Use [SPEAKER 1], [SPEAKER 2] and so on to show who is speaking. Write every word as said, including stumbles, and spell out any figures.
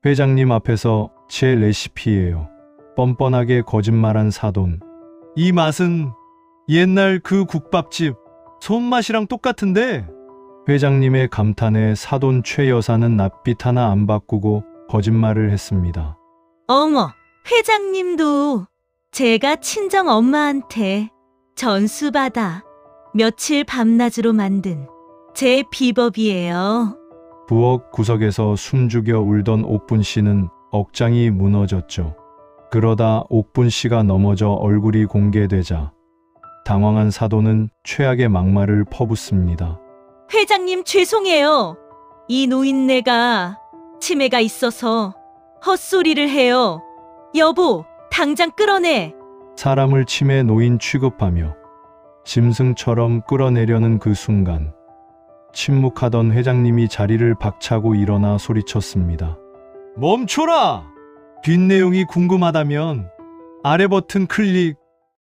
[SPEAKER 1] 회장님 앞에서 제 레시피예요. 뻔뻔하게 거짓말한 사돈. 이 맛은 옛날 그 국밥집 손맛이랑 똑같은데? 회장님의 감탄에 사돈 최 여사는 낯빛 하나 안 바꾸고 거짓말을 했습니다.
[SPEAKER 2] 어머, 회장님도 제가 친정 엄마한테 전수받아 며칠 밤낮으로 만든 제 비법이에요.
[SPEAKER 1] 부엌 구석에서 숨죽여 울던 옥분 씨는 억장이 무너졌죠. 그러다 옥분 씨가 넘어져 얼굴이 공개되자 당황한 사돈은 최악의 막말을 퍼붓습니다.
[SPEAKER 2] 회장님 죄송해요. 이 노인네가 치매가 있어서 헛소리를 해요. 여보, 당장 끌어내.
[SPEAKER 1] 사람을 치매 노인 취급하며 짐승처럼 끌어내려는 그 순간 침묵하던 회장님이 자리를 박차고 일어나 소리쳤습니다. 멈춰라! 뒷내용이 궁금하다면 아래 버튼 클릭.